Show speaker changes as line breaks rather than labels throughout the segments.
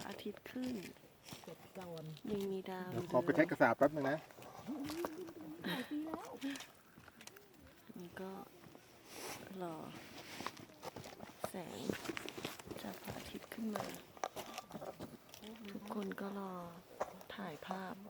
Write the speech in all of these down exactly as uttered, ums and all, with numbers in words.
อาทิตย์ขึ้นยังมีดาว
เดี๋ยวขอไปเช็คกระสาบแป๊บนึงนะ
นี่ก็รอแสงจากพระอาทิตย์ขึ้นมา ทุกคนก็รอถ่ายภาพ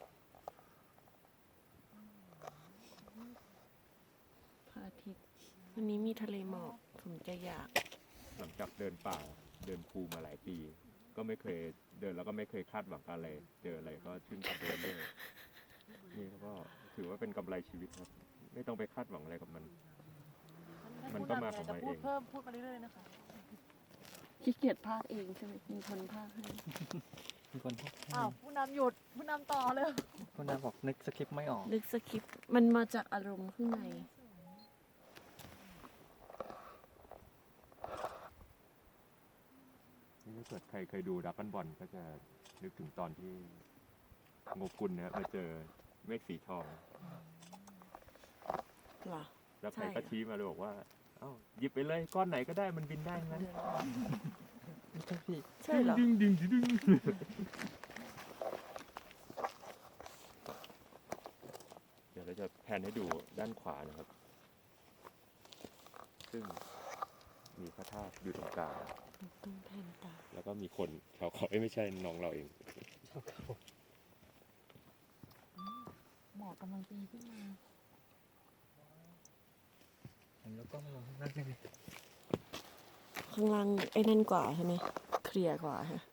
พระอาทิตย์วันนี้มีทะเลหมอกผมจะอยาก
หลังจากเดินป่าเดินภูมาหลายปี ก็ไม่เคยเดินแล้วก็ไม่เคยคาดหวังอะไรเจออะไรก็ชื่นชมไปเรื่อยๆนี่ก็ถือว่าเป็นกำไรชีวิตครับ ไม่ต้องไปคาดหวังอะไรกับมัน มันก็มาของมันเอง
เพิ่มพูดมาเรื่อยๆนะคะ
ขี้เกียจภาคเองใช่ไหมมีคนภาคให้
มีคนพูด
อ้าวผู้นำหยุดผู้นำต่อเลย
คนนั้นบอกนึกสคริปต์ไม่ออก
ลึกสคริปต์มันมาจากอารมณ์ข้างใน
นี่ถ้าเกิดใครเคยดูดักกันบอลก็จะนึกถึงตอนที่โงกุลเนี่ยมาเจอเมฆสีทอง
เหรอ
แล้วใคร
ใช่
ก็ชี้มาเลยบอกว่าเอ้าหยิบไปเลยก้อนไหนก็ได้มันบินได้งั้น
ไม่ใช่พี่
ใช่เหรอ
ดึงดึงดึงดึงเดี๋ยวเราจะแพนให้ดูด้านขวานะครับ ซึ่งมีพระธาตุอยู่ตรงกลาง
ต้องแผ่นตา
แล้วก็มีคนชาวเขาเอ้ยไม่ใช่น้องเราเอง
หมอกกำลังตีขึ้นมา
แล้วก็มาลงข้างล่างได้ไหม
ข้างล่างไอ้นั่นกว่าใช่ไหมเคลียร์กว่าฮะ